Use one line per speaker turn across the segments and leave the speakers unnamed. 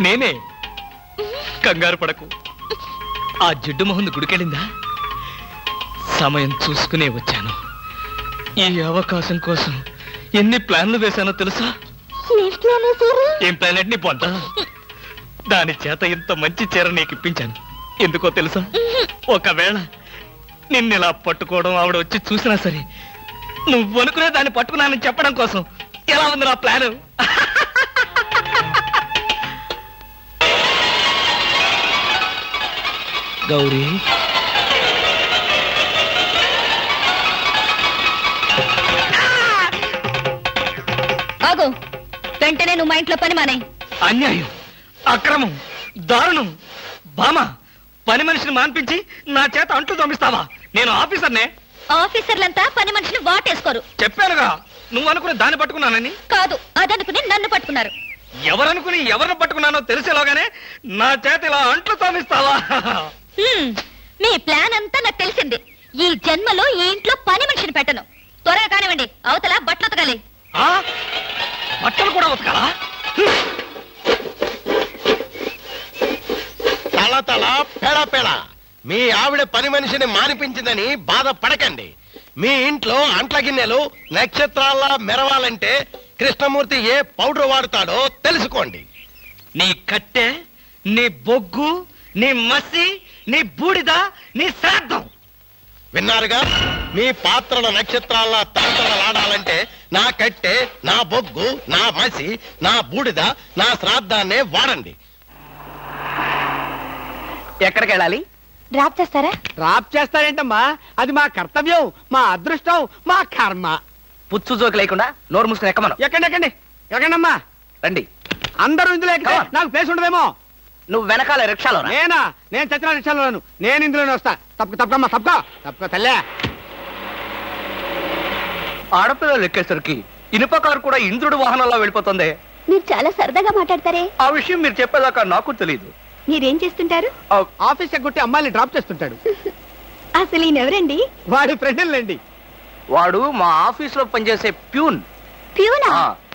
నేనే. కంగారు పడకు. ఆ జిడ్డు మొహంది గుడికెళ్ళిందా? సమయం చూసుకునే వచ్చాను. ఈ అవకాశం కోసం ఎన్ని ప్లాన్లు వేశానో తెలుసా? ఏం ప్లాన్ అంటే నీ పొంత. దాని చేత ఇంత మంచి చీర నీకు ఇప్పించాను. ఎందుకో తెలుసా? ఒకవేళ నిన్నిలా పట్టుకోవడం ఆవిడ వచ్చి చూసినా సరే నువ్వు అనుకునే దాన్ని పట్టుకున్నానని చెప్పడం కోసం. ఎలా ఉంది నా ప్లాను? గౌరీ,
ఆగు. వెంటనే నువ్వు మా ఇంట్లో పని మానే.
అన్యాయం, అక్రమం, దారుణం. బామ, పని మనిషిని మాన్పించి నా చేత అంట్లు తోమిస్తావా? నేను ఆఫీసర్నే.
ఆఫీసర్లంతా పని మనిషిని వాటేసుకోరు.
చెప్పానుగా నువ్వు అనుకుని దాన్ని పట్టుకున్నానని.
కాదు, అదనుకుని నన్ను పట్టుకున్నారు.
ఎవరనుకుని ఎవరిని పట్టుకున్నానో తెలిసేలాగానే నా చేత ఇలా అంట్లు తోమిస్తావా?
మీ ప్లాన్ అంతా నాకు తెలిసింది. ఈ జన్మలో ఈ ఇంట్లో పని మనిషిని పెట్టను. త్వరగా కానివ్వండి, అవతల బట్టలు ఉతకాలి.
బట్టలు కూడా ఉతకాలా?
తల తల పెడ పెడ మీ ఆవిడ పని మనిషిని మానిపించిందని బాధపడకండి. మీ ఇంట్లో అంట్ల గిన్నెలు నక్షత్రాల్లా మెరవాలంటే కృష్ణమూర్తి ఏ పౌడర్ వాడతాడో తెలుసుకోండి.
నీ కట్టె, నీ బొగ్గు, నీ మసి, నీ బూడిద, నీ శ్రాద్ధం.
విన్నారుగా? మీ పాత్రల నక్షత్రాల్లా తలతలలాడాలంటే నా కట్టె, నా బొగ్గు, నా మసి, నా బూడిద, నా శ్రాద్ధాన్నే వాడండి.
ఎక్కడికి వెళ్ళాలి?
డ్రాప్ చేస్తారా?
డ్రాప్ చేస్తారేంటమ్మా? అది మా కర్తవ్యం, మా అదృష్టం, మా కర్మ. పుచ్చు జోకి లేకుండా నోరు మూసుకుని ఎక్కమను. ఎక్కండి ఎక్కండి ఎక్కండమ్మా. రండి. అందరూ ఇందులో ఎక్కితే నాకు ప్లేస్ ఉండదేమో. నువ్వు వెనకాల రిక్షాలో. నేనా? నేను చచ్చిన రిక్షాలోను. నేను ఇందులోనే వస్తా. తప్పకమ్మా, తప్పక తల్లే. ఆడపిల్లలు ఎక్కేసరికి ఇనుప కారు కూడా ఇంద్రుడు వాహనంలో వెళ్ళిపోతుంది.
మీరు చాలా సరదాగా మాట్లాడతారే.
ఆ విషయం మీరు చెప్పేదాకా నాకు తెలియదు.
మీరేం చేస్తుంటారు?
ఆఫీస్ ఎగ్గొట్టి అమ్మాయిని డ్రాప్ చేస్తుంటాడు.
అసలు ఈయనెవరండి?
వాడి ఫ్రెండ్లండి. వాడు మా ఆఫీస్ లో పనిచేసే ప్యూన్.
ప్యూనా?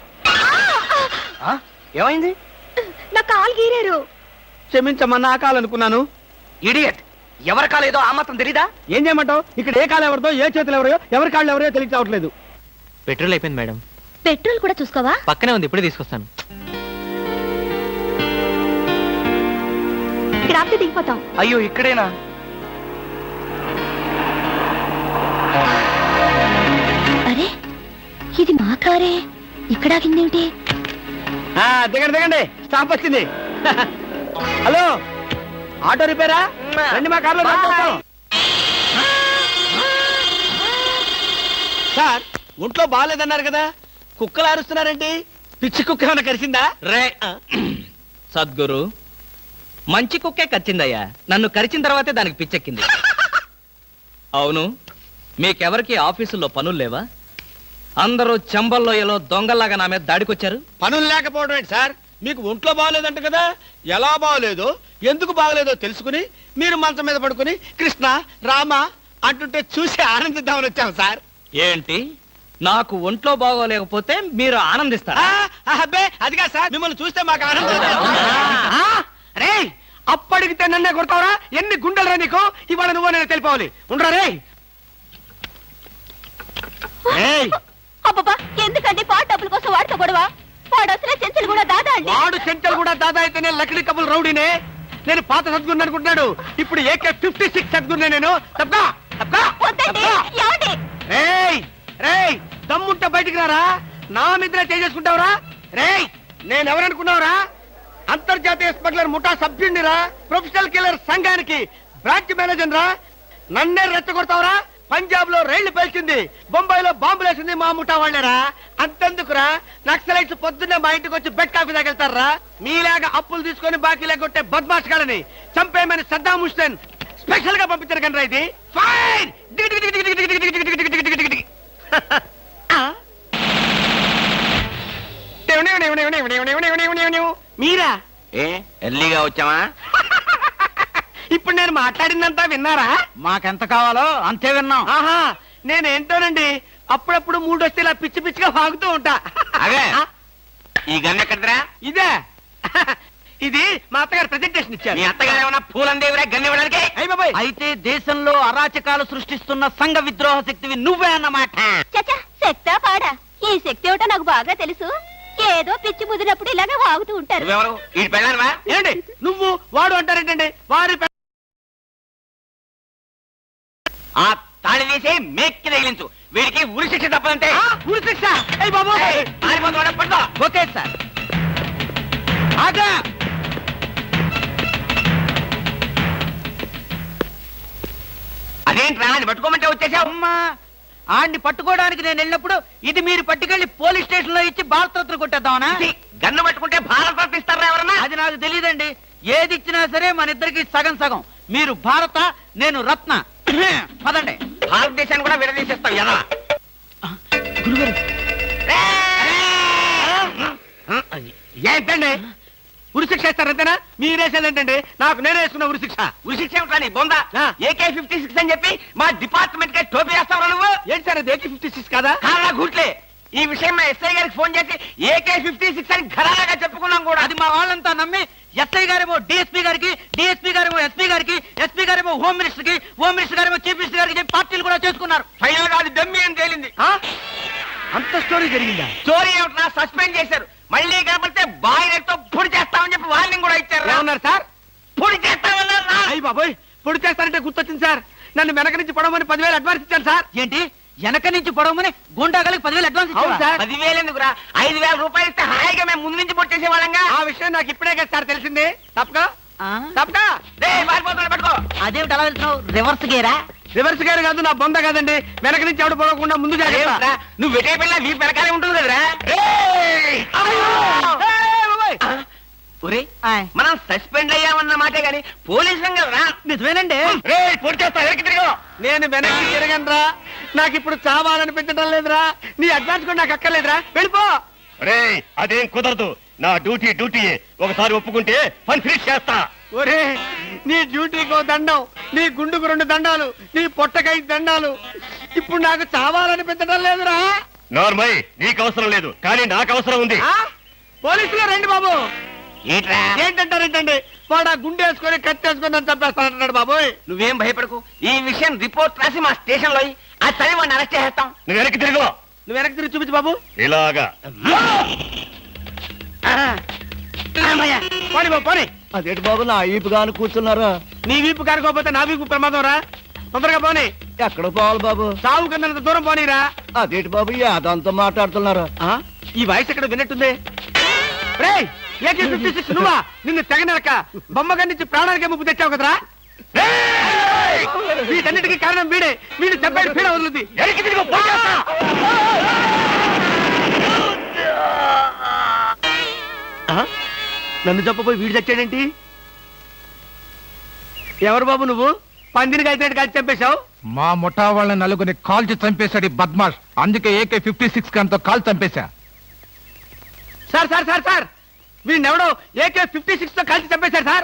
ఏమైంది?
నా కాలు గీరారు.
క్షమించమ్మా, నా కాలనుకున్నాను. ఇడియట్, ఎవరి కాలేదో ఆ మాత్రం తెలీదా? ఏం చేయమంటావు? ఇక్కడ ఏ కాలు ఎవరిదో, ఏ చేతులు ఎవరో, ఎవరి కాళ్ళు ఎవరో తెలిసి రావట్లేదు.
పెట్రోల్ అయిపోయింది మేడం.
పెట్రోల్ కూడా చూసుకోవా?
పక్కనే ఉంది, ఇప్పుడే తీసుకొస్తాను.
ఇక్కడ ఆపితే దిగిపోతాం.
అయ్యో, ఇక్కడేనా?
అరే, ఇది మా కారే. ఇక్కడ ఆగిందేమిటి?
దిగండి దిగండి, స్టాప్ వచ్చింది. హలో, ఆటో రిపేరా? రండి, మా కార్లో సార్. ఒంట్లో బాగాలేదన్నారు కదా, కుక్కలు అరుస్తున్నారేంటి? పిచ్చి కుక్క ఏమైనా కరిచిందా?
రే సద్గురు, మంచి కుక్కే కరిచిందయ్యా. నన్ను కరిచిన తర్వాతే దానికి పిచ్చెక్కింది. అవును, మీకెవరికి ఆఫీసుల్లో పనులు లేవా? అందరూ చెంబల్లోయలో దొంగల్లాగా నా మీద దాడికొచ్చారు.
పనులు లేకపోవడం ఏంటి సార్? మీకు ఒంట్లో బాగోలేదంట కదా, ఎలా బాగోలేదో, ఎందుకు బాగోలేదో తెలుసుకుని మీరు మంచం మీద పడుకుని కృష్ణ రామ అంటుంటే చూసి ఆనందిద్దామని వచ్చాం సార్.
ఏంటి, నాకు ఒంట్లో బాగోలేకపోతే మీరు ఆనందిస్తారా?
అబ్బే, అదిగా సార్, మిమ్మల్ని చూస్తే మాకు ఆనందం. రే, అప్పడిగితే నన్నే కొడతావరా? ఎన్ని గుండెలరా నీకు? ఇవాళ నువ్వు నేను తెలిపోవాలి. ఉండరా రే.
అబ్బబ్బా, ఎందుకండి పాట డబ్బుల కోసం వాడితో గొడవ? వాడు అసలే చెంచలు కూడా దాదా అండి.
వాడు చెంచలు కూడా దాదా అయితేనే లక్డీ కబుల్ రౌడీనే. నేను పాత సద్గురు అనుకుంటున్నాడు. ఇప్పుడు AK-56 సద్గురునే నేను. తప్పా రేయ్, దమ్ముంటే బయటికి రారా. నా మీద చేసుకుంటావురా? రేయ్, నేనెవరనుకున్నావురా? అంతర్జాతీయ స్మగ్లర్ ముఠా సభ్యుడిరా, ప్రొఫెషనల్ కిల్లర్ సంఘానికి బ్రాంచ్ మేనేజర్ రా. నన్నే రెచ్చగొడతావురా? పంజాబ్ లో రైళ్లు పేల్చింది, బొంబాయిలో బాంబులేసింది మా ముఠా వాళ్ళరా. అంతెందుకురా, నక్సలైట్స్ పొద్దున్నే మా ఇంటికి వచ్చి బెడ్ కాఫీ తాగెళ్తారా? మీలాగా అప్పులు తీసుకొని బాకీ లేకొట్టే బద్మాష్ గాలని చంపేయమని సద్దాం హుస్సేన్ స్పెషల్ గా పంపించారు కనరా. ఇది ఫైన్. మీరా?
ఎర్లీగా వచ్చావా?
ఇప్పుడు నేను మాట్లాడిందంతా విన్నారా?
మాకెంత కావాలో అంతే విన్నాం.
ఆహా, నేనేంటోనండి, అప్పుడప్పుడు మూడొస్తే ఇలా పిచ్చి పిచ్చిగా వాగుతూ ఉంటా.
అదే, ఈ గన్ ఎక్కడరా?
ఇదే, ఇది మా అత్తగారు ప్రెజెంటేషన్ ఇచ్చారు.
మీ అత్తగారు ఏమన్నా పూలందేవిరా గన్నివ్వడానికి?
అయ్య బాబాయ్,
అయితే దేశంలో అరాచకాలు సృష్టిస్తున్న సంఘ విద్రోహ శక్తివి నువ్వే అన్నమాట.
చచ్చా శక్తా పాడా ఈ శక్తి ఏమిటో నాకు బాగా తెలుసు. ఏదో పిచ్చి ముదిరినప్పుడు ఇలాగే వాగుతూ ఉంటారు.
నువ్వెవరు? ఈ పెళ్ళానవా?
ఏంటి నువ్వు వాడు అంటారేంటండి? వారి
ఆ తాళి తీసి మేక్కి తగిలించు. వీడికి ఉరి శిక్ష తప్పదంటే.
ఉరి శిక్ష. అయ్య బాబు,
పడుకో.
Okay sir. ఆగా.
అదేంట్రా అది పట్టుకోమంటే వచ్చేసావు?
అమ్మా ఆడిని పట్టుకోవడానికి నేను వెళ్ళినప్పుడు ఇది మీరు పట్టుకెళ్లి పోలీస్ స్టేషన్ లో ఇచ్చి భారతరత్న కొట్టేద్దామనా?
ఇది గన్ను పట్టుకుంటే భారత ఇస్తారా ఎవరన్నా?
అది నాకు తెలియదండి. ఏది ఇచ్చినా సరే మన ఇద్దరికి సగం సగం. మీరు భారత, నేను రత్న. పదండి.
భారతదేశాన్ని కూడా విడదీసేస్తావు ఎలా?
గురుగారు
ఏంటండి ఉరి శిక్ష ఇస్తారంతేనా? మీరేసేది ఏంటండి? నాకు నేనే వేసుకున్న ఉరి శిక్ష.
ఉరి శిక్ష ఏమిట్రా నీ బొంద?
ఆ.
AK-56 అని చెప్పి మా డిపార్ట్మెంట్ కి టోపీ వేస్తావు నువ్వు?
ఏంటి సార్ అది AK-56 కాదా?
కారా గుట్లే. ఈ విషయం మా ఎస్ఐ గారికి ఫోన్ చేసి AK-56 అని ఘరాగా చెప్పుకున్నాం కూడా.
అది మా వాళ్ళంతా నమ్మి ఎస్ఐ గారేమో డిఎస్పీ గారికి, డిఎస్పీ గారేమో ఎస్పీ గారికి, ఎస్పీ గారేమో హోమ్ మినిస్టర్ కి, హోమ్ మినిస్టర్ గారేమో చీఫ్ మినిస్టర్ గారికి చెప్పి పార్టీలు కూడా చేసుకున్నారు.
ఫైనల్ గా అది దమ్మి అని తేలింది.
ఆ? అంత స్టోరీ జరిగిందా?
స్టోరీ ఏమిట్రా? సస్పెండ్ చేశారు. మళ్ళీ కనపడితే బాయిలర్తో పొడి చేస్తామని చెప్పి వార్నింగ్ కూడా ఇచ్చారు.
ఏమన్నారు సార్?
పొడి చేస్తామన్నారు.
అయ్యి బాబోయ్, పొడి చేస్తారంటే గుర్తొచ్చింది సార్. నన్ను వెనక నుంచి పడమని 10,000 అడ్వాన్స్ ఇచ్చాను సార్.
ఏంటి వెనక నుంచి పొడవమని గుండాగలకి 10,000 అడ్వాన్స్
అవును
ఇచ్చావా?
సార్.
10,000 ఎందుకురా? 5,000 రూపాయలు ఇస్తే హాయిగా మేము ముందు నుంచి పొట్టేసే వాళ్ళంగా.
ఆ విషయం నాకు ఇప్పుడే కదా సార్ తెలిసింది. తప్పక
ఆ?
తప్పక
పారిపోతున్నా పట్టుకో.
అదేమిటి అలా వెళ్తున్నావు? రివర్స్ గేరా?
రివర్స్ గారు కాదు, నా బొంద కాదండి. వెనక నుంచి ఎవడు పోకుండా ముందు జాగ్రత్త.
అదేమిట్రా? నువ్వు వెటే పిల్ల నీ వెనకాలే ఉంటుంది కదరా? ఒరే
ఆయ్.
మనం సస్పెండ్ అయ్యామన్న మాటే గాని పోలీసులం కదరా?
నిజమేనండి.
పొడి చేస్తా వెనక్కి తిరిగి.
నేను వెనక్కి తిరగనరా. నాకు ఇప్పుడు చావాలనిపించడం లేదురా. నీ అడ్వాన్స్ కూడా నాకు అక్కర్లేదురా. వెళ్ళిపో.
అదేం కుదరదు. నా డ్యూటీ ఒకసారి ఒప్పుకుంటే పని ఫినిష్ చేస్తా.
ఒరే, నీ డ్యూటీకో దండం, నీ గుండుకు 2 దండాలు, నీ పొట్టకై దండాలు. ఇప్పుడు నాకు చావాలనిపించడం లేదురా.
నార్మల్ నీకు అవసరం లేదు, కానీ నాకు అవసరం ఉంది.
ఆ? పోలీసులు రండి బాబు.
ఏంట్రా?
ఏంటంటారేంటండి? వాడు ఆ గుండె వేసుకొని కత్తి వేసుకొని నన్ను చంపేస్తానంటున్నాడు బాబోయ్.
నువ్వేం భయపడకు. ఈ విషయం రిపోర్ట్ రాసి మా స్టేషన్ లో ఆ చదివి వాడిని అరెస్ట్ చేస్తాం.
నువ్వు వెనక్కి తిరుగు.
నువ్వు వెనక్కి తిరిగి చూపించు బాబు.
ఇలాగా
పోనీ బాబు పోనీ.
అదేంటి బాబు నా ఈపుగాను కూర్చున్నారా?
నీ వీపు కారుకోకపోతే నా వీపు ప్రమాదం రా. తొందరగా పోనీ.
ఎక్కడ పోవాలి బాబు?
సాగు కింద దూరం పోనీరా.
అదేంటి బాబు అదంతా మాట్లాడుతున్నారా?
ఆ? ఈ వాయిస్ ఎక్కడ విన్నట్టుంది. రేయ్, AK-56 నువ్వా? నిన్ను తెగనరక బొమ్మగా నుంచి ప్రాణానికే ముప్పు తెచ్చావు కదరా. వీటన్నిటికీ కారణం వీడే. వీడు చెప్పాడు పీడ వదులుద్ది.
వెనక్కి తిరుగు. పొడి చేస్తా.
ఆ? నన్ను చెప్పబోయి వీడు చచ్చాడేంటి? ఎవరు బాబు నువ్వు? పందిని కలిసినట్టు కలిసి చంపేశావు.
మా ముఠా వాళ్ళ నలుగురిని కాల్చి చంపేశాడు ఈ బద్మాష్. అందుకే AK-56 గన్తో కాల్ చంపేశా.
సార్ సార్ సార్ సార్, వీడినెవడో AK-56 తో కలిసి చంపేశారు సార్.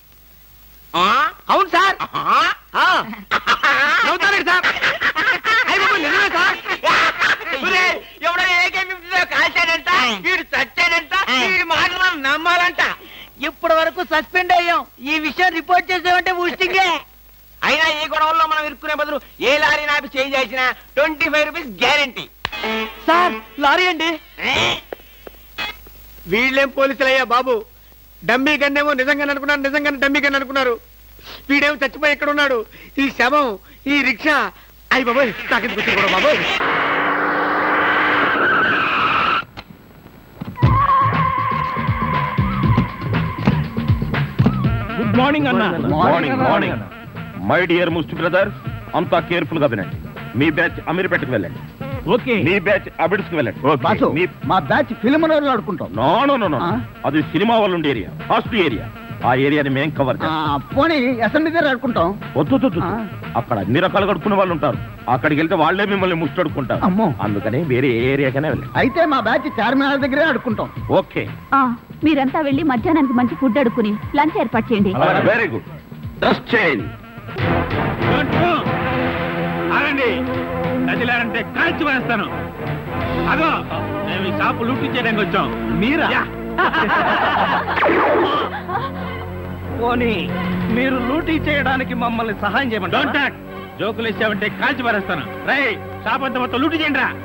అవును సార్. నవ్వుతారండి సార్. అయ్య బాబు, నిజమే సార్.
ఎవడో AK-50 కాల్చాడంట, వీడు చచ్చాడంట, వీడి మాటలు మనం నమ్మాలంట.
ఇప్పటి వరకు సస్పెండ్ అయ్యాం. ఈ విషయం రిపోర్ట్ చేసామంటే ఊస్టింగే.
అయినా ఈ గొడవల్లో మనం ఇరుక్కునే బదులు ఏ లారీ నాపి చేంజ్ చేసినా 25 రూపీస్ గ్యారెంటీ.
సార్ లారీ అండి. వీళ్ళేం పోలీసులయ్యా బాబు. డమ్మీ గన్నేమో నిజంగానే అనుకున్నారు, నిజంగానే డమ్మీ గన్ అనుకున్నారు. వీడేమో చచ్చిపోయి ఎక్కడ ఉన్నాడు? ఈ శవం, ఈ రిక్షా. అయ్యి బాబోయ్, నాకు కూడా బాబోయ్.
గుడ్ మార్నింగ్ అన్న.
Morning my dear must brother, అంతా కేర్ఫుల్ గా వినండి. మీ బ్యాచ్ అమీర్పేటకు వెళ్ళండి.
ఓకే.
మీ బ్యాచ్ అబిడ్స్ కు వెళ్ళండి.
బాసు, మా బ్యాచ్ ఫిల్మ్ ఆడుకుంటాం.
నో నో నో నో, అది సినిమా వాళ్ళు ఉండే ఏరియా, ఫస్ట్ ఏరియా. ఆ ఏరియాని మేం కవర్ చేస్తాం.
పోనీ అసెంబ్లీ దగ్గర ఆడుకుంటాం.
వద్దు, అక్కడ అన్ని రకాలుగా అడుక్కునే వాళ్ళు ఉంటారు. అక్కడికి వెళ్తే వాళ్ళే మిమ్మల్ని ముష్టడుకుంటారు.
అమ్మో.
అందుకని వేరే ఏ ఏరియాకనే వెళ్ళండి.
అయితే మా బ్యాచ్ చార్మినార్ దగ్గరే ఆడుకుంటాం.
ఓకే,
మీరంతా వెళ్ళి మధ్యాహ్నానికి మంచి ఫుడ్ అడుక్కుని లంచ్ ఏర్పాటు చేయండి.
Very good. Dress change.
ఆగండి, కదిలారంటే కాల్చి వేస్తాను. అగో, మేము ఈ షాపు లూటీ చేయడానికి వచ్చాం. మీరా?
పోనీ మీరు లూటీ చేయడానికి మమ్మల్ని సహాయం చేయమంటారా?
జోకులు ఇచ్చావంటే కాల్చి పారేస్తాను. రై షాప్ అంతా మొత్తం లూటి చేయండి రా.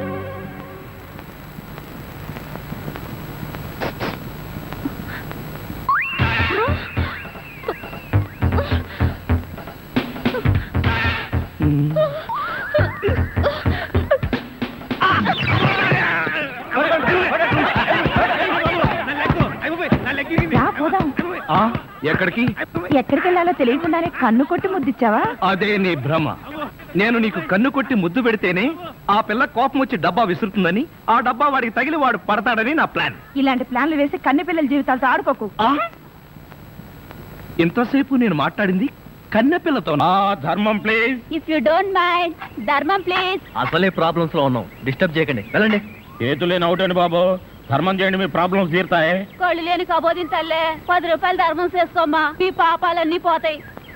ఎక్కడికి?
ఎక్కడికి వెళ్ళాలో తెలియకుండానే కన్ను కొట్టి ముద్దిచ్చావా?
అదే నీ భ్రమ. నేను నీకు కన్ను కొట్టి ముద్దు పెడితేనే ఆ పిల్ల కోపం వచ్చి డబ్బా విసురుతుందని, ఆ డబ్బా వాడికి తగిలి వాడు పడతాడని నా ప్లాన్.
ఇలాంటి ప్లాన్లు వేసి కన్ను పిల్లల జీవితాలతో ఆడుకోకు.
ఇంతసేపు నేను మాట్లాడింది కన్నెపిల్లతో.
ధర్మం please.
If you don't mind, ధర్మం ప్లీజ్.
అసలే ప్రాబ్లమ్స్ లో ఉన్నాం, డిస్టర్బ్ చేయకండి, వెళ్ళండి.
చేతులేని అవుటండి బాబు, ధర్మం చేయండి, మీ ప్రాబ్లమ్స్ తీరుతాయి.
కొళ్ళు లేని కబోదింతల్లే 10 రూపాయలు ధర్మం చేసుకోమ్మా, మీ పాపాలన్నీ పోతాయి.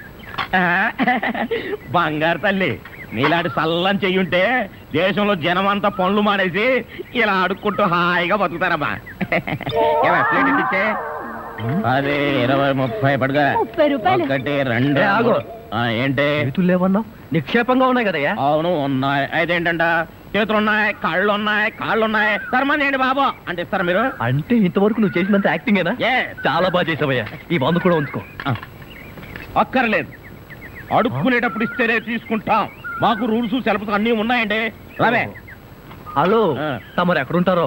బంగారు తల్లి, నీలాంటి సల్లం చెయ్యుంటే దేశంలో జనం అంతా పనులు మానేసి ఇలా అడుక్కుంటూ హాయిగా బతుకుతారమ్మా. ఇచ్చే అదే 20, 30 పడుగా.
30 రూపాయలు.
1, 2
ఆగు.
ఏంటి
చేతులు లేవన్నావు? నిక్షేపంగా ఉన్నాయి కదయ్యా.
అవును ఉన్నాయి. అయితే ఏంటంట, చేతులు ఉన్నాయి, కాళ్ళు ఉన్నాయి, కాళ్ళు ఉన్నాయి, ధర్మం చేయండి బాబు అంటే ఇస్తారా మీరు?
అంటే ఇంతవరకు నువ్వు చేసినంత యాక్టింగేనా? చాలా బాగా చేసావయ్యా. ఈ మందు కూడా ఉంచుకో.
అక్కర్లేదు, అడుక్కునేటప్పుడు ఇస్తేనే తీసుకుంటాం. మాకు రూల్స్ సెలవులు అన్నీ ఉన్నాయండి. రావే.
హలో, తమరు ఎక్కడుంటారో?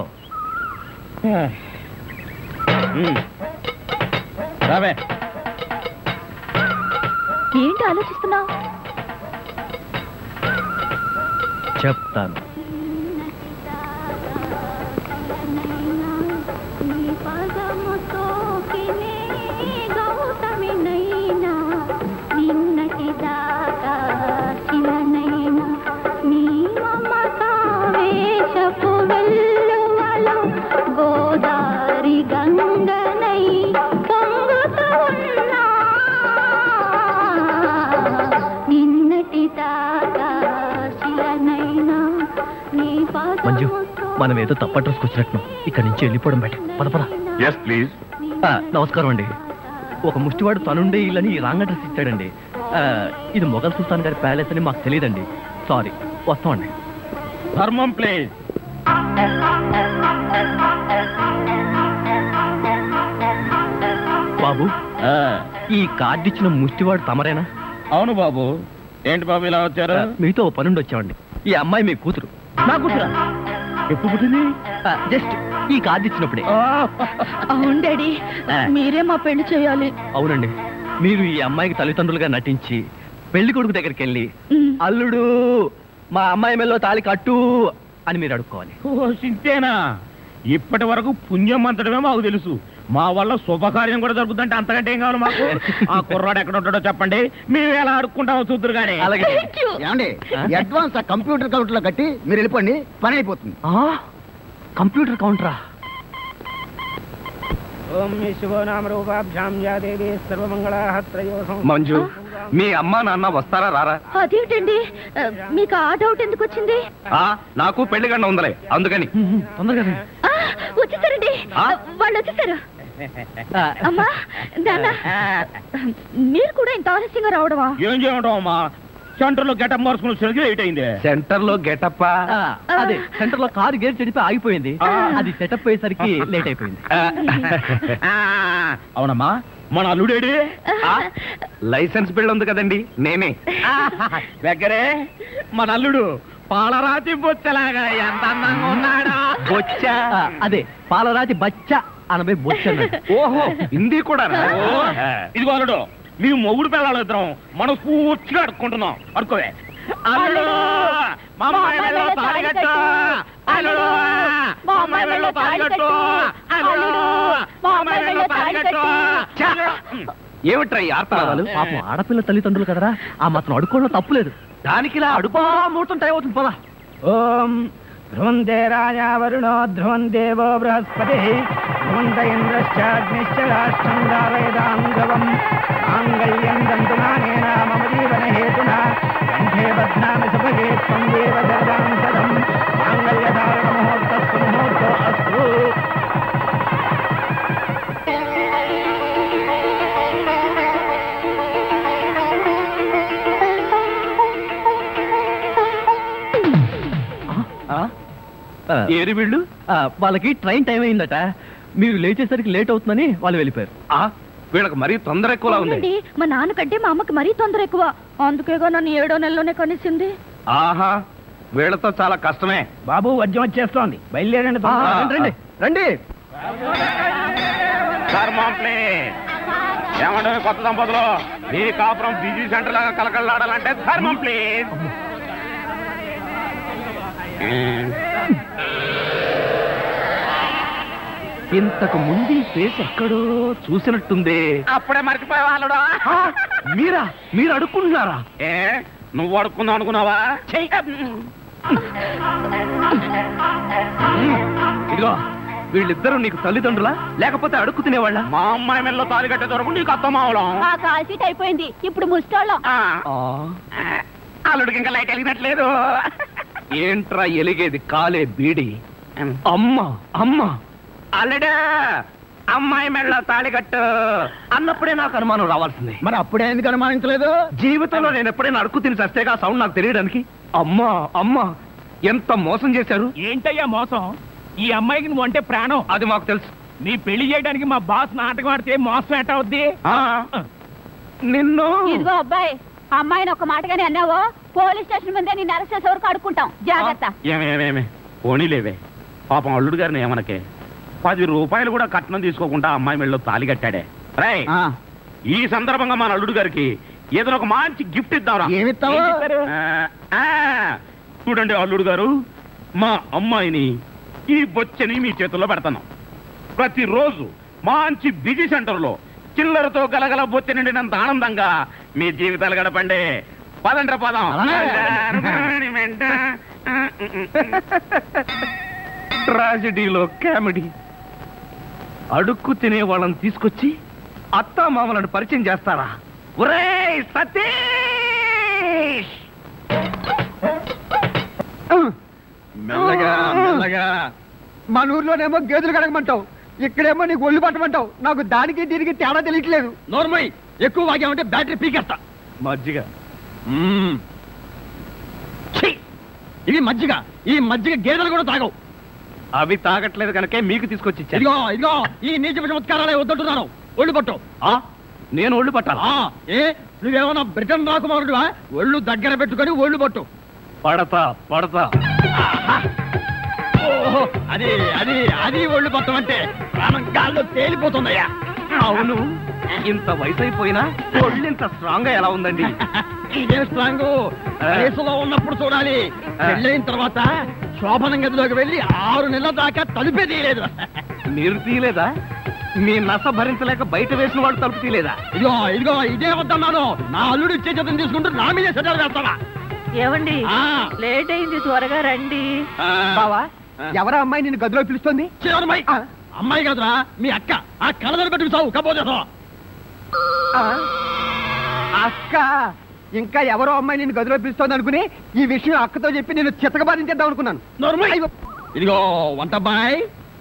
రావే.
ఏంటి ఆలోచిస్తున్నావు?
చెప్తాను.
గోదారి గంగనై పొంగుతూ ఉన్నా నిన్నటి దాకా శిలనైనా నీ
మంజు, మనం ఏదో తప్ప డ్రెస్కి వచ్చినట్టు ఇక్కడి నుంచి వెళ్ళిపోవడం బయట. పద పద.
Yes please.
నమస్కారం అండి. ఒక ముష్టివాడు తనుండే ఇల్లని రాంగ్ అడ్రస్ ఇచ్చాడండి. ఇది మొఘల్ సుల్తాన్ గారి ప్యాలెస్ అని మాకు తెలియదండి. సారీ, వస్తామండి.
ధర్మం ప్లీజ్.
బాబు, ఈ కార్డు ఇచ్చిన ముష్టివాడు తమరేనా?
అవును బాబు. ఏంటి బాబు ఇలా వచ్చారు?
మీతో ఓ పనుండి వచ్చామండి. ఈ అమ్మాయి మీ కూతురు.
నా కూతురా? ఎప్పుడు పుట్టింది?
జస్ట్ ఈ కార్డు ఇచ్చినప్పుడే.
అవును డాడీ, మీరే మా పెళ్లి చేయాలి.
అవునండి, మీరు ఈ అమ్మాయికి తల్లిదండ్రులుగా నటించి పెళ్లి కొడుకు దగ్గరికి వెళ్ళి అల్లుడు మా అమ్మాయి మెల్లో తాళి కట్టు అని మీరు అడుక్కోవాలి.
ఓ సింతేనా? ఇప్పటి వరకు పుణ్యం అంతటమే మాకు తెలుసు. మా వల్ల శుభకార్యం కూడా జరుగుతుందంటే అంతకంటే ఏం కావాలి మాకు? ఆ కుర్రాడు ఎక్కడ ఉంటాడో చెప్పండి, మేము ఎలా అడుక్కుంటామో చూద్దరు కానీ.
అలాగే.
ఏమండి, అడ్వాన్స్ ఆ కంప్యూటర్ కౌంటర్ లో కట్టి మీరు వెళ్ళిపోండి, పని అయిపోతుంది.
కంప్యూటర్ కౌంటరా? మంజు, మీ అమ్మా నాన్న వస్తారా రారా?
అదేంటండి, మీకు ఆ డౌట్ ఎందుకు వచ్చింది?
నాకు పెళ్లి గంట ఉందలే, అందుకని. తొందరగా
వచ్చేసారండి, వాళ్ళు వచ్చేసారు. అమ్మా నాన్న, మీరు కూడా ఇంత ఆలస్యంగా రావడమా?
ఏం చేయడం అమ్మా, సెంటర్ లో గెటప్ మార్చుకుని లేట్ అయింది.
సెంటర్ లో గెటప్? అదే, సెంటర్ లో కారు గేర్ చెడిపి ఆగిపోయింది. అది సెటప్ అయ్యేసరికి లేట్ అయిపోయింది.
అవునమ్మా, మన అల్లుడేడి?
లైసెన్స్ బిల్ ఉంది కదండి, నేనే.
దగ్గరే మన అల్లుడు పాలరాతి బొచ్చలాగా ఎంత అందంగా ఉన్నాడా.
బొచ్చ? అదే, పాలరాతి బచ్చ అనబై బొచ్చ. ఓహో, హిందీ కూడా.
ఇదిగో అల్లుడు, మీ మొగుడు పిల్లలు ఇద్దరం మనం పూర్తిగా అడుక్కుంటున్నాం. అడుకోవే. అల్లుడు, మా అమ్మాయి వెళ్ళో తాళిగట్టు. అల్లుడు, మా అమ్మాయి వెళ్ళో తాళిగట్టు. అల్లుడు, మా అమ్మాయి వెళ్ళో తాళిగట్టు.
ఏమిట్రా ఈ ఆర్తనాదాలు? పాపం ఆడపిల్ల తల్లిదండ్రులు కదరా, ఆ మాత్రం అడుక్కోవడం తప్పులేదు. దానికి ఇలా అడుపా ముహూర్తం టైం అవుతుంది. పదా.
ఓం ధ్రువంతే రాజా వరుణో ధ్రువం దేవో బృహస్పతి ధ్రువంత ఇంద్రశ్చాగ్నిశ్చ రాష్ట్రం దావయదాం ధ్రువం మాంగళ్యం దంతునానేన మమ జీవన హేతునా కంఠే బధ్నామి సుభగే త్వం దేవ జగదాం సదం మాంగళ్యధారణ ముహూర్తస్సు ముహూర్తో అస్తు.
ఏరి వీళ్ళు
వాళ్ళకి ట్రైన్ టైం అయిందట మీరు లేచేసరికి లేట్ అవుతుందని వాళ్ళు వెళ్ళిపోయారు.
వీళ్ళకి మరీ తొందర ఎక్కువలా ఉంది.
అవునండి, మా నాన్నకంటే మా అమ్మకి మరీ తొందర ఎక్కువ. అందుకేగా నన్ను 7వ నెలలోనే కనిసింది.
ఆహా, వీళ్ళతో చాలా కష్టమే.
బాబు వద్యం వచ్చేస్తోంది, బయలుదేరండి.
రండి రండి.
ఏమంటే కొత్త దంపతులు మీ కాపురం బిజీ సెంటర్ లాగా కలకలాడాలంటే ధర్మం ప్లీజ్.
ఇంతకు ముందు ఈ ఫేస్ ఎక్కడో చూసినట్టుంది.
అప్పుడే మర్చిపోయే వాళ్ళుడా.
మీరు అడుక్కుంటున్నారా?
ఏ నువ్వు అడుక్కుందాం అనుకున్నావా?
ఇదిగో వీళ్ళిద్దరూ నీకు తల్లిదండ్రులా లేకపోతే అడుక్కు తినేవాళ్ళ?
మా అమ్మాయి మెల్లో తాలి కట్టే దొరకు నీకు అత్తమావలం.
ఆ కాల్ సీట్ అయిపోయింది, ఇప్పుడు ముస్టాళ్ళం.
అల్లుడికి ఇంకా లైట్ వెలిగినట్లేదు.
ఏంట్రా ఎలిగేది? కాలే బీడి. అమ్మ
అల్లుడు అమ్మాయి మెళ్ళో తాళి కట్టు
అన్నప్పుడే నాకు అనుమానం రావాల్సింది.
మరి అప్పుడే ఎందుకు అనుమానించలేదు?
జీవితంలో నేను ఎప్పుడైనా అడుక్కు తిని చస్తేగా సౌండ్ నాకు తెలియడానికి. అమ్మా ఎంత మోసం చేశారు.
ఏంటయ్యా మోసం? ఈ అమ్మాయికి నువ్వు అంటే ప్రాణం.
అది మాకు తెలుసు.
నీ పెళ్లి చేయడానికి మా బాస్ నాటకం ఆడితే మోసం ఎట్ట అవుద్ది?
నిన్ను
ఇదిగో అబ్బాయి, అమ్మాయిని ఒక మాటగానే అన్నావో పోలీస్ స్టేషన్ ముందే నిన్ను అరెస్ట్ చేసే వరకు అడుక్కుంటాం. జాగ్రత్త.
ఏమేమేమే పోనీలేవే, పాపం అల్లుడు గారిని ఏమనకే. 10 రూపాయలు కూడా కట్నం తీసుకోకుండా అమ్మాయి మెళ్ళలో తాళి కట్టాడే. రై ఈ సందర్భంగా మన అల్లుడు గారికి ఏదైనా ఒక మంచి గిఫ్ట్ ఇద్దాం.
ఏమిస్తావు?
చూడండి అల్లుడు గారు, మా అమ్మాయిని ఈ బొచ్చని మీ చేతుల్లో పెడతాను. ప్రతిరోజు మంచి బిజీ సెంటర్లో చిల్లరతో గలగల బొచ్చ నిండినంత ఆనందంగా మీ జీవితాలు గడపండి. పదండ్ర పదం.
ట్రాజడీలో కామెడీ. అడుక్కు తినే వాళ్ళని తీసుకొచ్చి అత్తా మామలను పరిచయం చేస్తారా? ఒరేయ్ సతీష్!
మెల్లగా. మన ఊర్లోనేమో గేదెలు కడగమంటావు, ఇక్కడేమో నీకు ఒళ్ళు పట్టమంటావు. నాకు దానికి దీనికి తేడా తెలియట్లేదు.
నోర్మై, ఎక్కువ వాగామంటే బ్యాటరీ పీకేస్తా. మజ్జిగ.
ఇది మజ్జిగ. ఈ మజ్జిగ గేదెలు కూడా తాగవు.
అవి తాగట్లేదు కనుకే మీకు తీసుకొచ్చి ఇచ్చాను.
ఇదిగో ఈ నీచ చమత్కారాలే వద్దంటున్నాను. ఒళ్ళు పట్టు.
నేను ఒళ్ళు పట్టాలా?
ఏ నువ్వేమన్నా బ్రిటన్ రాకుమారుడువా? ఒళ్ళు దగ్గర పెట్టుకొని ఒళ్ళు పట్టు.
పడతా.
ఓహో, అది ఒళ్ళు పట్టం అంటే ప్రాణం గాల్లో తేలిపోతుందయ్యా.
అవును, ఇంత వయసు అయిపోయినా ఒళ్ళు ఇంత స్ట్రాంగ్ గా ఎలా ఉందండి?
ఇదే స్ట్రాంగ్ వయసులో ఉన్నప్పుడు చూడాలి. పెళ్ళైన తర్వాత శోభనం గదిలోకి వెళ్ళి 6 నెలల దాకా తలుపే తీయలేదు.
మీరు తీయలేదా? మీ నస భరించలేక బయట వేసిన వాడు తలుపు తీయలేదా?
ఇదిగో ఇదే వద్దన్నాను. నా అల్లుడు ఇచ్చే చేతం తీసుకుంటూ నా మీదే సెటర్ వేస్తావా?
ఏమండి, లేట్ అయింది, త్వరగా రండి.
బావా, ఎవరా అమ్మాయి నిన్ను గదిలో పిలుస్తుంది?
చివరమ్మాయి. అమ్మాయి కదరా మీ అక్క. ఆ కళ్ళదర పెట్టుకు సావు కపోతే.
అక్క, ఇంకా ఎవరో అమ్మాయి నిన్ను గదిలో పిలుస్తోంది అనుకుని ఈ విషయం అక్కతో చెప్పి నేను చితకబాధించేద్దాం అనుకున్నాను.
ఇదిగో వంటమ్మాయి.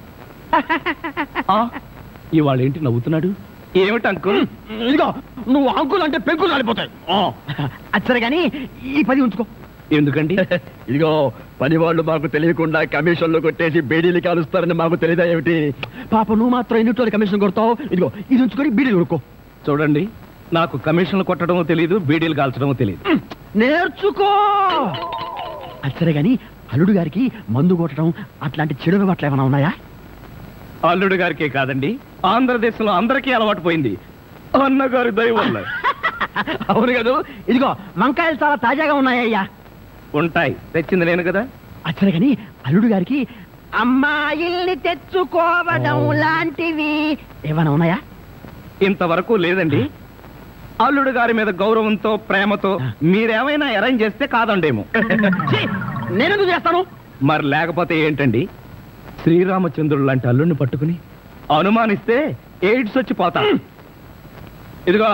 ఇవాళ ఏంటి నవ్వుతున్నాడు? ఏమిటి అంకుల్?
ఇదిగో నువ్వు అంకుల్ అంటే పెంకులు రాలిపోతాయి.
అచ్చరే గాని ఈ 10 ఉంచుకో.
ఎందుకండి?
ఇదిగో పని వాళ్ళు మాకు తెలియకుండా కమిషన్లు కొట్టేసి బేడీలు కాలుస్తారని మాకు తెలియదా ఏమిటి? పాప నువ్వు మాత్రం ఎన్నిటోళ్ళు కమిషన్ కొడతావు. ఇదిగో ఇది ఉంచుకొని బీడీలు కొడుకో.
చూడండి, నాకు కమిషన్లు కొట్టడమో తెలియదు, బీడీలు కాల్చడమో తెలియదు.
నేర్చుకో. అచ్చరే గాని అల్లుడు గారికి మందు కొట్టడం అట్లాంటి చెడు అలవాట్లు ఏమైనా ఉన్నాయా?
అల్లుడు గారికే కాదండి, ఆంధ్రదేశంలో అందరికీ అలవాటు పోయింది. అన్నగారి దయ వల్ల.
అవును కదా. ఇదిగో వంకాయలు చాలా తాజాగా ఉన్నాయ్యా.
ఉంటాయి, తెచ్చింది నేను కదా.
అచ్చరే గాని అల్లుడు గారికి అమ్మాయిల్ని తెచ్చుకోవడం లాంటివి ఏమైనా ఉన్నాయా?
ఇంతవరకు లేదండి. అల్లుడు గారి మీద గౌరవంతో ప్రేమతో మీరేమైనా అరేంజ్ చేస్తే కాదండేమో.
నేనెందుకు చేస్తాను?
మరి లేకపోతే ఏంటండి? శ్రీరామచంద్రుడు లాంటి అల్లుడిని పట్టుకుని అనుమానిస్తే ఎయిడ్స్ వచ్చి పోతా. ఇదిగో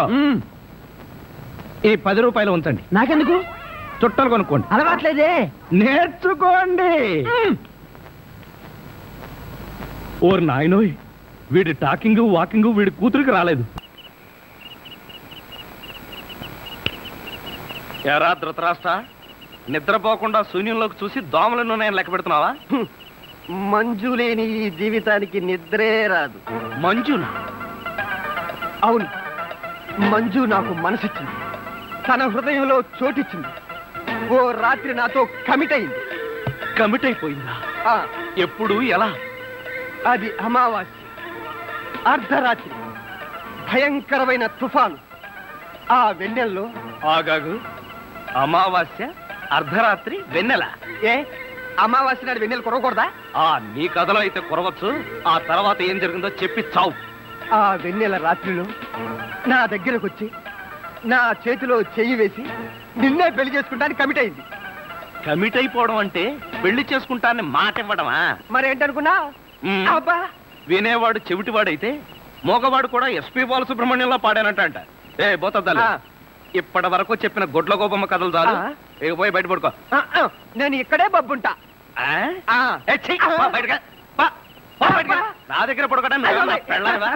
ఈ 10 రూపాయలు ఉంచండి.
నాకెందుకు?
చుట్టలు కొనుక్కోండి.
అలవాట్లేదే.
నేర్చుకోండి. ఓర్ నాయనోయ్, వీడి టాకింగ్ వాకింగ్ వీడి కూతురికి రాలేదు. ఎరా ధృతరాష్ట్ర, నిద్రపోకుండా శూన్యంలోకి చూసి దోమలను నేను లెక్క పెడుతున్నావా?
మంజు లేని ఈ జీవితానికి నిద్రే రాదు.
మంజునా?
అవును, మంజు నాకు మనసిచ్చింది, తన హృదయంలో చోటిచ్చింది. ఓ రాత్రి నాతో కమిట్ అయింది.
కమిట్ అయిపోయిందా?
ఆ,
ఎప్పుడు, ఎలా?
అది అమావాస్య, అర్ధరాత్రి, భయంకరమైన తుఫాను. ఆ వెన్నెల్లో
ఆగాగు. అమావాస్య, అర్ధరాత్రి, వెన్నెల.
ఏ అమావాస్య నాడు వెన్నెలు కురవకూడదా?
నీ కథలో అయితే కురవచ్చు. ఆ తర్వాత ఏం జరిగిందో చెప్పి చావు.
ఆ వెన్నెల రాత్రిలో నా దగ్గరకు వచ్చి నా చేతిలో చెయ్యి వేసి నిన్నే పెళ్లి చేసుకుంటానికి కమిట్ అయింది.
కమిట్ అయిపోవడం అంటే పెళ్లి చేసుకుంటానని మాట ఇవ్వడమా?
మరేంటనుకున్నా?
మ్.
అబ్బా,
వినేవాడు చెవిటివాడైతే మోగవాడు కూడా ఎస్పీ బాలసుబ్రహ్మణ్యంలో పాడానంట. ఏ బోతద్దాలు,
ఆ.
ఇప్పటి వరకు చెప్పిన గొడ్ల గోపమ్మ కథలు చాలు.
ఆ.
ఇక పోయి బయట పడుకో.
నేను ఇక్కడే బబ్బుంటా.
ఆ? ఏ, ఛీ, పో బయటకు. పో, పో బయటకు. నా దగ్గర పడుకోవడం పెళ్ళావా?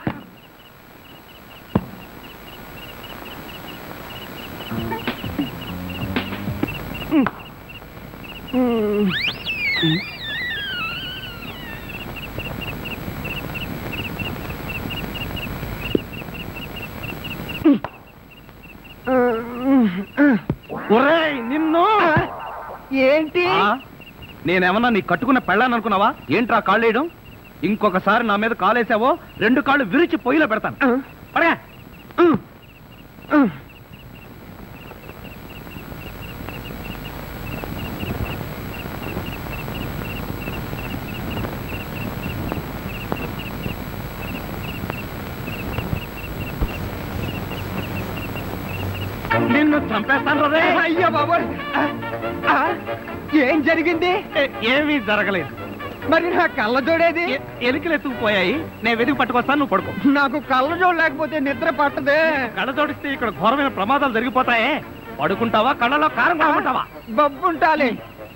ఒరేయ్ నిన్ను!
ఏంటి?
నేనేమన్నా నీ కట్టుకున్న పెళ్ళాను అనుకున్నావా? ఏంట్రా కాళ్ళేయడం? ఇంకొకసారి నా మీద కాలేసావో 2 కాళ్ళు విరిచి పొయ్యిలో పెడతాను. పడగా. నిన్ను చంపేస్తాను రే.
అయ్యో బాబోయ్! ఏం జరిగింది?
ఏమీ జరగలేదు.
మరి నా కళ్ళ జోడేది?
ఎలుకలు ఎత్తుకుపోయాయి. నేను వెతికి పట్టుకొస్తాను, నువ్వు పడుకో.
నాకు కళ్ళ జోడు లేకపోతే నిద్ర పట్టదే.
కళ్ళ జోడిస్తే ఇక్కడ ఘోరమైన ప్రమాదాలు జరిగిపోతాయే. పడుకుంటావా, కళ్ళలో కారం కొనుక్కుంటావా?
బబ్బుంటాలి.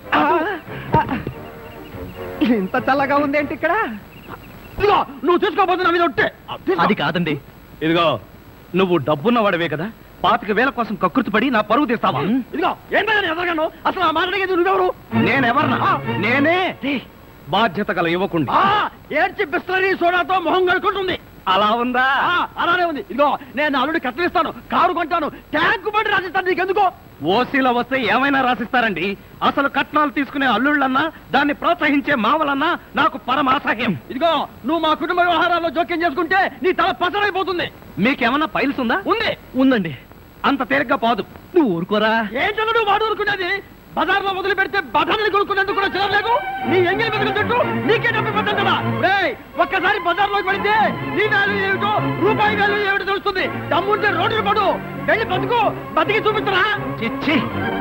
ఇంత చల్లగా ఉందేంటి ఇక్కడ?
ఇదిగో నువ్వు చూసుకోబోతు నా మీద ఒట్టే.
అది కాదండి.
ఇదిగో నువ్వు డబ్బున్నవాడవే కదా, 25,000 కోసం కకృతి పడి నా పరువు తీస్తావా? ఇదిగో ఏంటో ఎదగను. అసలు ఆ మాట్లాడేది నువ్వెవరు? నేనెవరన్నా? నేనే బాధ్యత గల యువకుండి.
ఏడ్చి బిస్లరీ సోడాతో మొహం కడుకుంటుంది.
అలా ఉందా?
అలానే ఉంది. ఇదిగో నేను అల్లుడి కట్టలిస్తాను, కారు కొంటాను, ట్యాంకు బండి రాసిస్తాను. నీకెందుకో?
ఓసీలో వస్తే ఏమైనా రాసిస్తారండి. అసలు కట్నాలు తీసుకునే అల్లుళ్ళన్నా, దాన్ని ప్రోత్సహించే మావలన్నా నాకు పరమాసహ్యం.
ఇదిగో నువ్వు మా కుటుంబ వ్యవహారాల్లో జోక్యం చేసుకుంటే నీ తల పసరైపోతుంది.
మీకేమన్నా ఫైల్స్ ఉందా?
ఉంది.
ఉందండి. అంత తేలిగ్గా పోదు.
నువ్వు ఊరుకోరా.
ఏంటో నువ్వు వాడు ఊరుకునేది? బజార్లో మొదలు పెడితే బజార్ని కొనుక్కునేందుకు కూడా చిరలేదు. నీ ఎంగిలి మెదలు చుట్టూ నీకే డబ్బు పెట్టాను కదా. ఒక్కసారి బజార్లోకి పడితే నీ వాల్యూ ఏమిటో, రూపాయి వాల్యూ ఏమిటో తెలుస్తుంది. దమ్ముంటే రోడ్డు పడు, వెళ్ళి బతుకు, బతికి చూపిస్తున్నా.
చిచ్చి.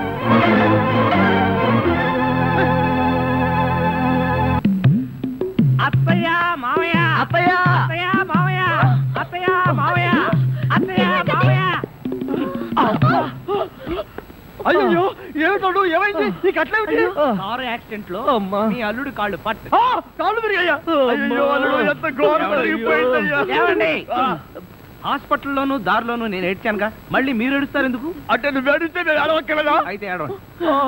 అత్తయ్య మావయ్య,
అత్తయ్య,
అత్తయ్య మావయ్య, అత్తయ్య మావయ్య, అత్తయ్య మావయ్య.
అయ్యో ఏమిటోడు, ఏమైంది? నీకు అట్లేమిటి?
కారు యాక్సిడెంట్ లో మీ అల్లుడు కాళ్ళు పట్టు.
కాళ్ళు విరిగాయా? అయ్యో అల్లుడు, ఎంత ఘోరం జరిగిపోయిందయ్యా.
ఏమండి? హాస్పిటల్లోనూ దారిలోనూ నేను ఏడ్చానుగా, మళ్ళీ మీరు ఏడుస్తారు ఎందుకు?
అంటే నువ్వు ఏడిస్తే నేను అడవక్కలేదా?
అయితే ఏడవండి.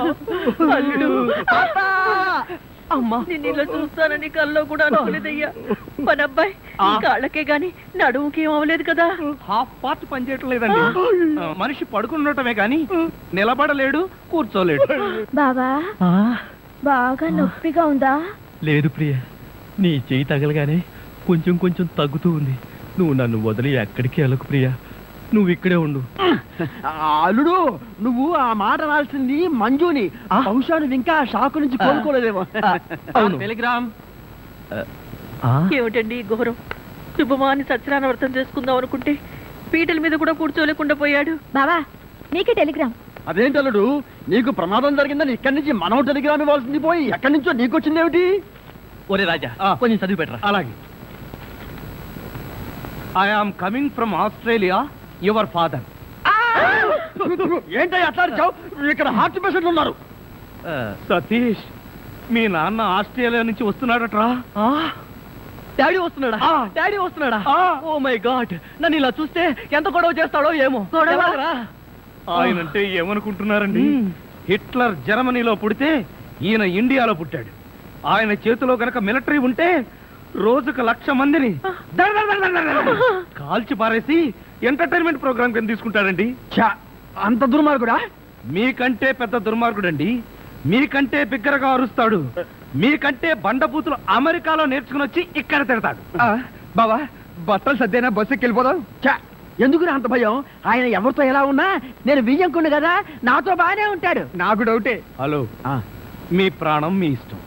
అమ్మా, నేను ఇలా చూస్తానని కల్లో కూడా అనుకోలేదయ్యా. మన అబ్బాయి కాళ్ళకే గాని నడుముకి ఏం అవ్వలేదు కదా.
హాఫ్ పార్ట్ పనిచేయటం లేదండి. మనిషి పడుకుండటమే గాని నిలబడలేడు, కూర్చోలేడు.
బాబా, బాగా నొప్పిగా ఉందా?
లేదు ప్రియ, నీ చెయ్యి తగలగానే కొంచెం కొంచెం తగ్గుతూ ఉంది. నువ్వు నన్ను వదిలి ఎక్కడికి వెళ్ళకు ప్రియ, నువ్వు ఇక్కడే ఉండు.
అల్లుడు, నువ్వు ఆ మాట రాల్సింది మంజుని. బహుశా నువ్వు ఇంకా షాకు నుంచి కోలుకోలేదేమో.
అవును.
టెలిగ్రామ్.
ఏమిటండి ఈ ఘోరం? శుభమాని సత్యనారాయణ వ్రతం చేసుకుందాం అనుకుంటే పీటల మీద కూడా కూర్చోలేకుండా పోయాడు. బాబా, నీకే టెలిగ్రామ్.
అదేంటి అల్లుడు, నీకు ప్రమాదం జరిగిందని ఇక్కడి నుంచి మనం టెలిగ్రామ్ ఇవ్వాల్సింది పోయి ఎక్కడి నుంచో నీకు వచ్చింది ఏమిటి?
ఒరే రాజా, కొంచెం చదివి పెట్టరా.
అలాగే. I am coming from Australia, your father.
ఏంటో అట్లా అరిచావు? ఇక్కడ హార్ట్ పేషెంట్లు ఉన్నారు.
సతీష్, మీ నాన్న ఆస్ట్రేలియా నుంచి వస్తున్నాడట్రా.
డాడీ వస్తున్నాడా? డాడీ వస్తున్నాడా? ఓ మై గాడ్, నన్ను ఇలా చూస్తే ఎంత గొడవ చేస్తాడో ఏమో. ఎవరురా?
ఆయనంటే ఏమనుకుంటున్నారండి? హిట్లర్ జర్మనీలో పుడితే ఈయన ఇండియాలో పుట్టాడు. ఆయన చేతిలో గనక మిలిటరీ ఉంటే రోజుకు 1,00,000 మందిని దడ దడ దడ దడ దడ కాల్చి పారేసి ఎంటర్టైన్మెంట్ ప్రోగ్రామ్ కింద తీసుకుంటాడండి.
ఛా, అంత దుర్మార్గుడా?
మీకంటే పెద్ద దుర్మార్గుడండి. మీకంటే బిగ్గరగా అరుస్తాడు. మీకంటే బండబూతులు అమెరికాలో నేర్చుకుని వచ్చి ఇక్కడ తిడతాడు.
బావా, బట్టలు సర్దేనా బస్సుకి వెళ్ళిపోదాం. ఛా, ఎందుకు అంత భయం? ఆయన ఎవరితో ఎలా ఉన్నా నేను వియ్యంకుండు కదా, నాతో బాగానే ఉంటాడు. నాకు డౌటే.
హలో, మీ ప్రాణం మీ ఇష్టం.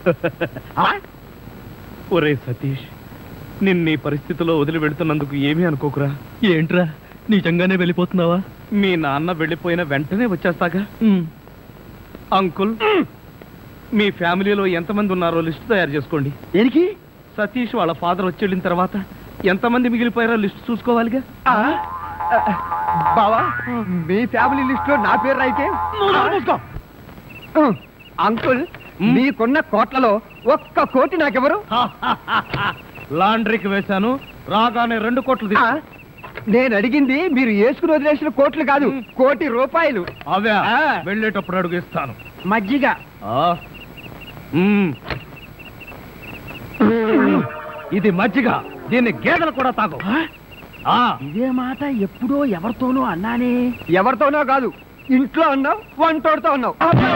ఒరే సతీష్, నిన్నీ పరిస్థితిలో వదిలి వెళ్తున్నందుకు ఏమీ అనుకోకురా.
ఏంట్రా నిజంగానే వెళ్ళిపోతున్నావా?
మీ నాన్న వెళ్ళిపోయిన వెంటనే వచ్చేస్తాగా. అంకుల్, మీ ఫ్యామిలీలో ఎంతమంది ఉన్నారో లిస్ట్ తయారు చేసుకోండి.
దేనికి?
సతీష్ వాళ్ళ ఫాదర్ వచ్చి వెళ్ళిన తర్వాత ఎంతమంది మిగిలిపోయారో లిస్ట్ చూసుకోవాలిగా.
బావా, మీ ఫ్యామిలీ లిస్ట్ లో నా పేరు రాయితే అంకుల్, మీకున్న కోట్లలో 1 కోటి నాకెవరు?
లాండ్రీకి వేశాను, రాగానే 2 కోట్లు తీసుకో.
నేను అడిగింది మీరు వేసుకుని వదిలేసిన కోట్లు కాదు, 1 కోటి రూపాయలు.
అవే వెళ్ళేటప్పుడు అడుగు ఇస్తాను.
మజ్జిగ.
ఇది మజ్జిగ, దీన్ని గేదెలు కూడా తాగు.
ఇదే మాట ఎప్పుడో ఎవరితోనో అన్నానే. ఎవరితోనో కాదు, ఇంట్లో అన్నావు, వంటోడుతో అన్నావు.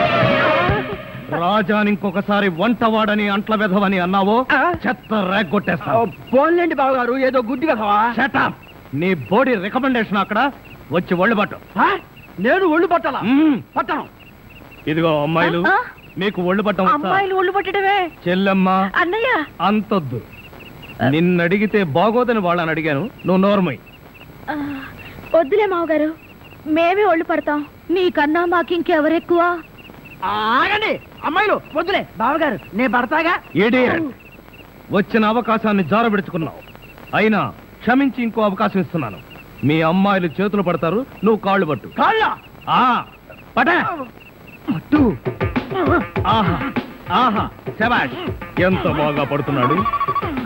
రాజాని ఇంకొకసారి వంటవాడని అంట్ల వెధవని అన్నావో చెత్త రేగొట్టేస్తావు.
పోన్లేండి బావగారు, ఏదో గుడ్డి కదవా.
Shut up. నీ బోడీ రికమెండేషన్ అక్కడ వచ్చి ఒళ్ళు పట్టు.
నేను ఒళ్ళు పట్టాలా? పట్టను.
ఇదిగో అమ్మాయిలు, మీకు ఒళ్ళు పట్టం వచ్చా?
అమ్మాయిలు ఒళ్ళు పట్టడమే.
చెల్లెమ్మ,
అన్నయ్య,
అంతొద్దు. నిన్నడిగితే బాగోదని వాళ్ళని అడిగాను, నువ్వు నోర్మై.
వద్దులే మావగారు, మేమే ఒళ్ళు పడతాం. నీకన్నా మాకింకెవరెక్కువ?
ఆగండి అమ్మాయిలు, వద్దులే బావగారు, నేను పడతాగా.
ఇడియట్. వచ్చిన అవకాశాన్ని జారబెడుచుకున్నావు. అయినా క్షమించి ఇంకో అవకాశం ఇస్తున్నాను. మీ అమ్మాయిలు చేతులు పడతారు, నువ్వు కాళ్ళు పట్టు.
కాళ్ళ
పట్టు. ఆహా ఆహా, శభాష్, ఎంత బాగా పడుతున్నాడు.